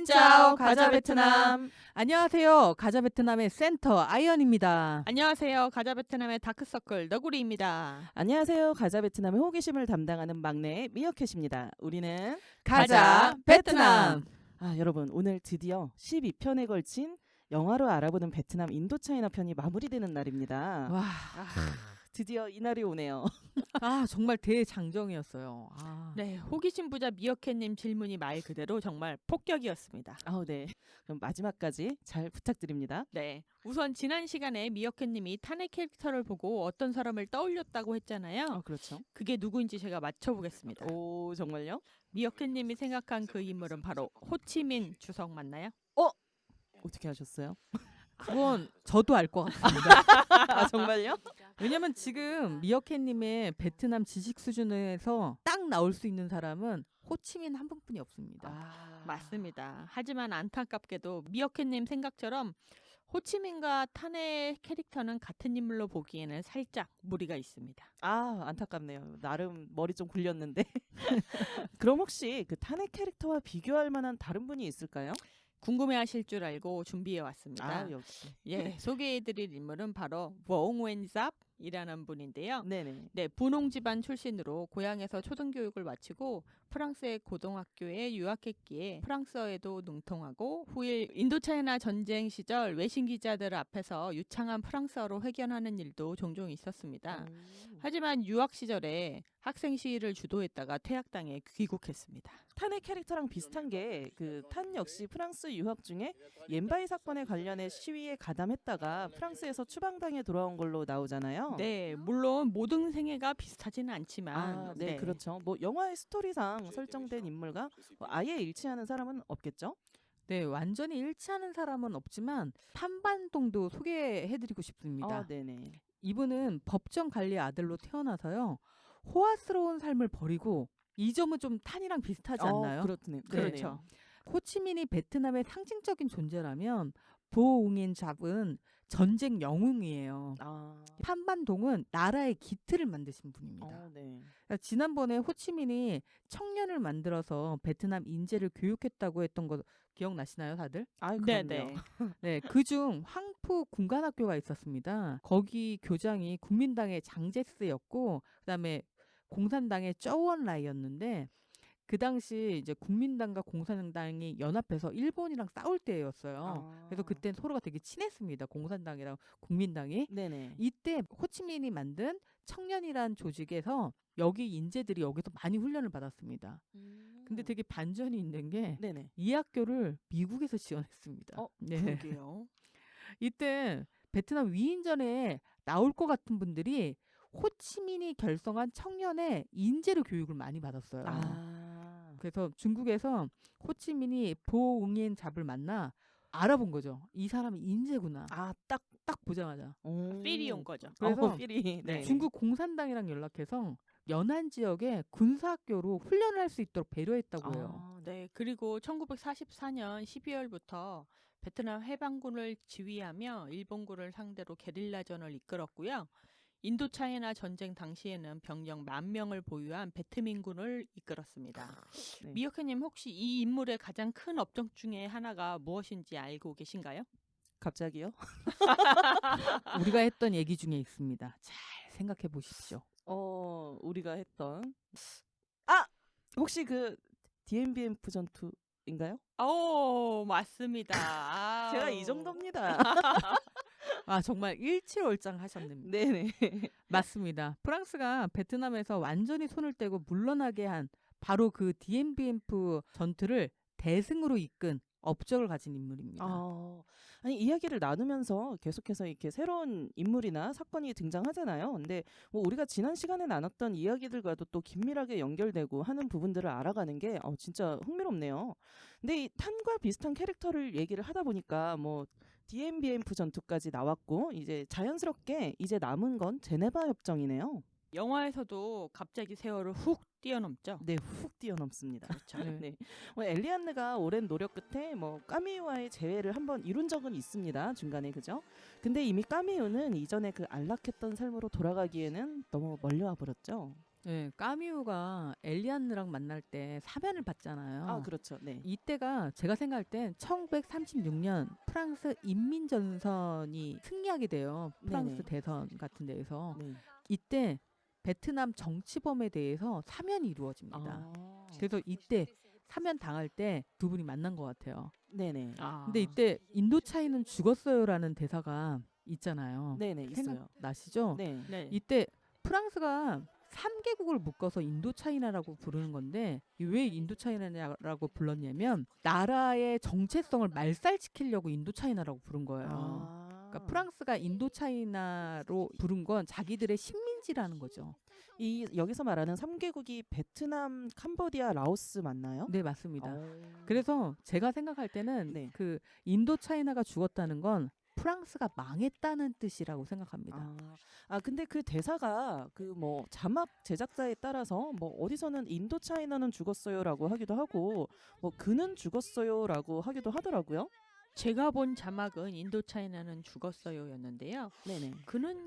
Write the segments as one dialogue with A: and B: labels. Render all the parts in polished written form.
A: 신짜오 가자 베트남.
B: 안녕하세요. 가자 베트남의 센터 아이언입니다.
A: 안녕하세요. 가자 베트남의 다크서클 너구리입니다.
C: 안녕하세요. 가자 베트남의 호기심을 담당하는 막내 미어캣입니다. 우리는
A: 가자 베트남.
C: 여러분 오늘 드디어 12편에 걸친 영화로 알아보는 베트남 인도차이나 편이 마무리되는 날입니다.
B: 와,
C: 드디어 이 날이 오네요.
B: 정말 대장정이었어요.
A: 네, 호기심 부자 미어캣님 질문이 말 그대로 정말 폭격이었습니다.
C: 네. 그럼 마지막까지 잘 부탁드립니다.
A: 네, 우선 지난 시간에 미어캣님이 탄핵 캐릭터를 보고 어떤 사람을 떠올렸다고 했잖아요.
C: 그렇죠.
A: 그게 누구인지 제가 맞춰보겠습니다.
C: 오, 정말요?
A: 미어캣님이 생각한 그 인물은 바로 호치민 주석 맞나요?
C: 어떻게 하셨어요?
B: 그건 저도 알 것 같습니다.
C: 정말요?
B: 왜냐면 지금 미어캣님의 베트남 지식 수준에서 딱 나올 수 있는 사람은 호치민 한 분뿐이 없습니다.
A: 맞습니다. 하지만 안타깝게도 미어캣님 생각처럼 호치민과 탄핵 캐릭터는 같은 인물로 보기에는 살짝 무리가 있습니다.
C: 안타깝네요. 나름 머리 좀 굴렸는데. 그럼 혹시 그 탄핵 캐릭터와 비교할 만한 다른 분이 있을까요?
A: 궁금해하실 줄 알고 준비해 왔습니다.
C: 역시.
A: 예, 소개해드릴 인물은 바로 웡웬잡이라는 분인데요.
C: 네네.
A: 네, 분홍 집안 출신으로 고향에서 초등교육을 마치고 프랑스의 고등학교에 유학했기에 프랑스어에도 능통하고 후일 인도차이나 전쟁 시절 외신 기자들 앞에서 유창한 프랑스어로 회견하는 일도 종종 있었습니다. 하지만 유학 시절에 학생 시위를 주도했다가 퇴학당해 귀국했습니다.
C: 탄의 캐릭터랑 비슷한 게 그 탄 역시 프랑스 유학 중에 옌바이 사건에 관련해 시위에 가담했다가 프랑스에서 추방당해 돌아온 걸로 나오잖아요.
A: 네, 물론 모든 생애가 비슷하지는 않지만
C: 네, 그렇죠. 뭐 영화의 스토리상 설정된 인물과 아예 일치하는 사람은 없겠죠?
B: 네, 완전히 일치하는 사람은 없지만 판반동도 소개해드리고 싶습니다.
C: 네네.
B: 이분은 법정 관리의 아들로 태어나서요. 호화스러운 삶을 버리고 이 점은 좀 탄이랑 비슷하지 않나요?
C: 그렇네요.
A: 그렇죠.
B: 호치민이 베트남의 상징적인 존재라면 보옹인 잡은 전쟁 영웅이에요. 판반동은 나라의 기틀을 만드신 분입니다.
C: 네.
B: 그러니까 지난번에 호치민이 청년을 만들어서 베트남 인재를 교육했다고 했던 거 기억나시나요, 다들?
A: 네네.
B: 네, 그중 황푸 군관학교가 있었습니다. 거기 교장이 국민당의 장제스였고, 그다음에 공산당의 쩌원라이였는데 그 당시 이제 국민당과 공산당이 연합해서 일본이랑 싸울 때였어요. 그래서 그때 서로가 되게 친했습니다. 공산당이랑 국민당이.
C: 네네.
B: 이때 호치민이 만든 청년이란 조직에서 여기 인재들이 여기서 많이 훈련을 받았습니다. 근데 되게 반전이 있는 게
C: 네네.
B: 이 학교를 미국에서 지원했습니다. 네.
A: 그러게요.
B: 이때 베트남 위인전에 나올 것 같은 분들이 호치민이 결성한 청년의 인재로 교육을 많이 받았어요. 그래서 중국에서 호치민이 보응인 잡을 만나 알아본 거죠. 이 사람이 인재구나. 딱 보자마자.
A: 필이 온 거죠.
B: 그래서
C: 필이. 네.
B: 중국 공산당이랑 연락해서 연안 지역에 군사학교로 훈련을 할 수 있도록 배려했다고 해요.
A: 네, 그리고 1944년 12월부터 베트남 해방군을 지휘하며 일본군을 상대로 게릴라전을 이끌었고요. 인도차이나 전쟁 당시에는 병력 10,000명을 보유한 베트민군을 이끌었습니다.
C: 네.
A: 미어캣님 혹시 이 인물의 가장 큰 업적 중에 하나가 무엇인지 알고 계신가요?
C: 갑자기요?
B: 우리가 했던 얘기 중에 있습니다. 잘 생각해 보십시오.
C: 우리가 했던 혹시 그 DMBMF 전투인가요?
A: 맞습니다.
C: 제가 이 정도입니다.
B: 정말 일치월장 하셨습니다.
C: 네네.
B: 맞습니다. 프랑스가 베트남에서 완전히 손을 떼고 물러나게 한 바로 그 DMBMF 전투를 대승으로 이끈 업적을 가진 인물입니다.
C: 아니 이야기를 나누면서 계속해서 이렇게 새로운 인물이나 사건이 등장하잖아요. 근데 뭐 우리가 지난 시간에 나눴던 이야기들과도 또 긴밀하게 연결되고 하는 부분들을 알아가는 게 진짜 흥미롭네요. 근데 이 탄과 비슷한 캐릭터를 얘기를 하다 보니까 뭐 DMBMF 전투까지 나왔고 이제 자연스럽게 이제 남은 건 제네바 협정이네요.
A: 영화에서도 갑자기 세월을 훅 뛰어넘죠.
C: 네, 훅 뛰어넘습니다.
A: 그렇죠.
C: 네. 엘리안느가 오랜 노력 끝에 까미유와의 재회를 한번 이룬 적은 있습니다. 중간에 그죠? 근데 이미 까미유는 이전에 그 안락했던 삶으로 돌아가기에는 너무 멀리 와 버렸죠.
B: 네, 까뮤가 엘리안느랑 만날 때 사면을 받잖아요.
C: 아, 그렇죠. 네.
B: 이때가 제가 생각할 땐 1936년 프랑스 인민전선이 승리하게 돼요. 프랑스
C: 네네.
B: 대선 같은 데에서.
C: 네.
B: 이때 베트남 정치범에 대해서 사면이 이루어집니다.
C: 아.
B: 그래서 이때 사면 당할 때 두 분이 만난 것 같아요.
C: 네네.
B: 근데 이때 인도차이는 죽었어요라는 대사가 있잖아요.
C: 네네, 있어요.
B: 생각나시죠?
C: 네.
A: 네.
B: 이때 프랑스가 3개국을 묶어서 인도차이나라고 부르는 건데 왜 인도차이나라고 불렀냐면 나라의 정체성을 말살시키려고 인도차이나라고 부른 거예요. 그러니까 프랑스가 인도차이나로 부른 건 자기들의 식민지라는 거죠.
C: 이 여기서 말하는 3개국이 베트남, 캄보디아, 라오스 맞나요?
B: 네, 맞습니다.
C: 오.
B: 그래서 제가 생각할 때는
C: 네.
B: 그 인도차이나가 죽었다는 건 프랑스가 망했다는 뜻이라고 생각합니다.
C: 근데 그 대사가 그 뭐 자막 제작자에 따라서 뭐 어디서는 인도차이나는 죽었어요라고 하기도 하고 뭐 그는 죽었어요라고 하기도 하더라고요.
A: 제가 본 자막은 인도차이나는 죽었어요였는데요.
C: 네네.
A: 그는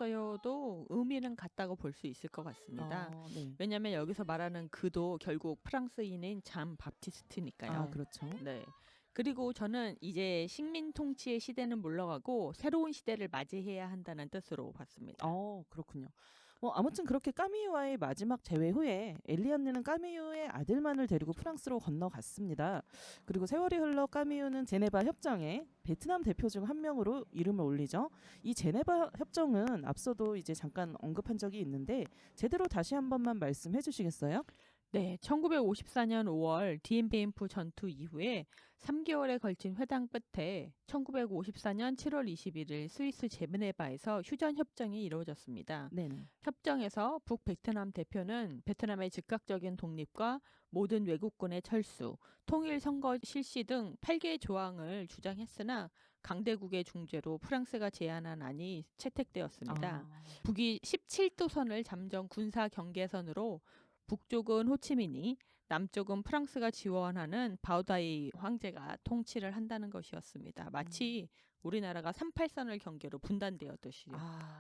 A: 죽었어요도 의미는 같다고 볼 수 있을 것 같습니다.
C: 네.
A: 왜냐하면 여기서 말하는 그도 결국 프랑스인인 잠 바티스트니까요.
C: 그렇죠.
A: 네. 그리고 저는 이제 식민 통치의 시대는 물러가고 새로운 시대를 맞이해야 한다는 뜻으로 봤습니다.
C: 그렇군요. 아무튼 그렇게 까미유와의 마지막 재회 후에 엘리안느는 까미유의 아들만을 데리고 프랑스로 건너갔습니다. 그리고 세월이 흘러 까미유는 제네바 협정에 베트남 대표 중 한 명으로 이름을 올리죠. 이 제네바 협정은 앞서도 이제 잠깐 언급한 적이 있는데 제대로 다시 한 번만 말씀해 주시겠어요?
A: 네, 1954년 5월 디엠베인프 전투 이후에 3개월에 걸친 회담 끝에 1954년 7월 21일 스위스 제네바에서 휴전 협정이 이루어졌습니다.
C: 네네.
A: 협정에서 북베트남 대표는 베트남의 즉각적인 독립과 모든 외국군의 철수, 통일 선거 실시 등 8개의 조항을 주장했으나 강대국의 중재로 프랑스가 제안한 안이 채택되었습니다. 북이 17도선을 잠정 군사 경계선으로 북쪽은 호치민이, 남쪽은 프랑스가 지원하는 바오다이 황제가 통치를 한다는 것이었습니다. 마치 우리나라가 38선을 경계로 분단되었듯이요.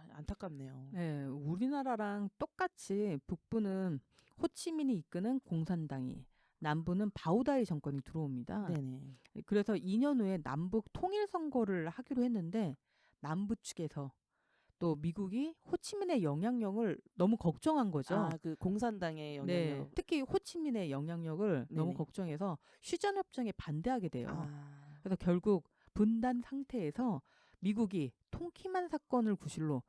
C: 안타깝네요.
B: 네, 우리나라랑 똑같이 북부는 호치민이 이끄는 공산당이, 남부는 바오다이 정권이 들어옵니다.
C: 네네.
B: 그래서 2년 후에 남북 통일 선거를 하기로 했는데 남부 측에서 또 미국이 호치민의 영향력을 너무 걱정한 거죠.
C: 그 공산당의 영향력.
B: 네, 특히 호치민의 영향력을 너무
C: 네네.
B: 걱정해서 휴전 협정에 반대하게 돼요.
C: 아.
B: 그래서 결국 분단 상태에서 미국이 통키만 사건을 구실로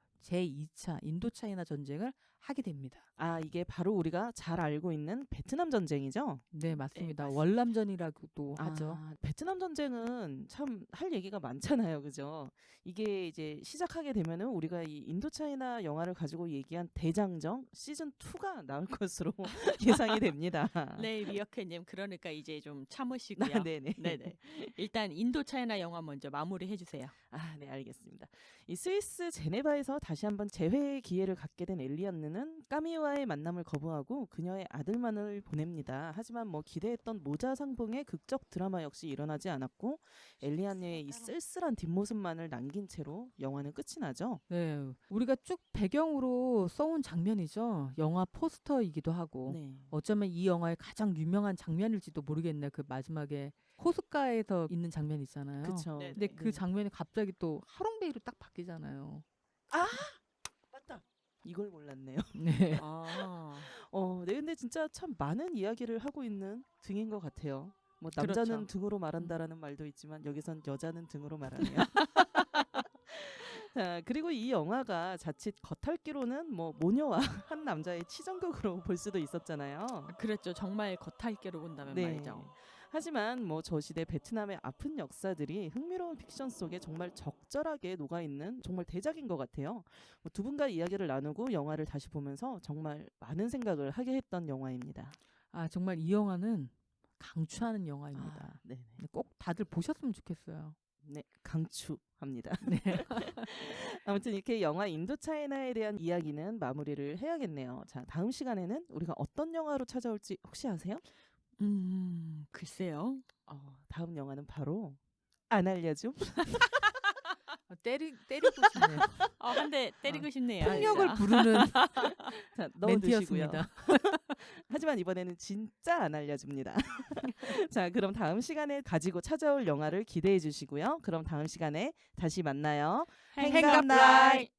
B: 제2차 인도차이나 전쟁을 하게 됩니다.
C: 이게 바로 우리가 잘 알고 있는 베트남 전쟁이죠?
B: 네, 맞습니다.
A: 맞습니다.
B: 월남전이라고도 하죠.
C: 베트남 전쟁은 참 할 얘기가 많잖아요. 그죠? 이게 이제 시작하게 되면은 우리가 이 인도차이나 영화를 가지고 얘기한 대장정 시즌 2가 나올 것으로 예상이 됩니다.
A: 네, 미어캣님 그러니까 이제 좀 참으시고요.
C: 네네.
A: 네네. 일단 인도차이나 영화 먼저 마무리해 주세요.
C: 네, 알겠습니다. 이 스위스 제네바에서 다시 한번 재회의 기회를 갖게 된 엘리안느는 까미와의 만남을 거부하고 그녀의 아들만을 보냅니다. 하지만 기대했던 모자 상봉의 극적 드라마 역시 일어나지 않았고 엘리안느의 이 쓸쓸한 뒷모습만을 남긴 채로 영화는 끝이 나죠.
B: 네, 우리가 쭉 배경으로 써온 장면이죠. 영화 포스터이기도 하고
C: 네.
B: 어쩌면 이 영화의 가장 유명한 장면일지도 모르겠네. 그 마지막에 호숫가에서 있는 장면 있잖아요.
C: 그렇죠.
A: 네,
B: 근데 그 장면이 갑자기 또 하롱베이로 딱 바뀌잖아요.
C: 맞다. 이걸 몰랐네요.
B: 네.
C: 네, 근데 진짜 참 많은 이야기를 하고 있는 등인 것 같아요. 남자는
A: 그렇죠.
C: 등으로 말한다라는 말도 있지만 여기선 여자는 등으로 말하네요. 자, 그리고 이 영화가 자칫 겉핥기로는 모녀와 한 남자의 치정극으로 볼 수도 있었잖아요.
A: 그랬죠. 정말 겉핥기로 본다면 말이죠.
C: 하지만 저 시대 베트남의 아픈 역사들이 흥미로운 픽션 속에 정말 적절하게 녹아있는 정말 대작인 것 같아요. 두 분과 이야기를 나누고 영화를 다시 보면서 정말 많은 생각을 하게 했던 영화입니다.
B: 정말 이 영화는 강추하는 영화입니다.
C: 네.
B: 꼭 다들 보셨으면 좋겠어요.
C: 네, 강추합니다.
B: 네.
C: 아무튼 이렇게 영화 인도차이나에 대한 이야기는 마무리를 해야겠네요. 자, 다음 시간에는 우리가 어떤 영화로 찾아올지 혹시 아세요?
A: 글쎄요.
C: 다음 영화는 바로 안 알려줌.
B: 때리고 싶네요.
A: 근데 때리고 싶네요.
B: 폭력을
A: 진짜.
B: 부르는
C: 자, 넣어두시고요.
B: 멘트였습니다.
C: 하지만 이번에는 진짜 안 알려줍니다. 자, 그럼 다음 시간에 가지고 찾아올 영화를 기대해 주시고요. 그럼 다음 시간에 다시 만나요.
A: 행갑라이.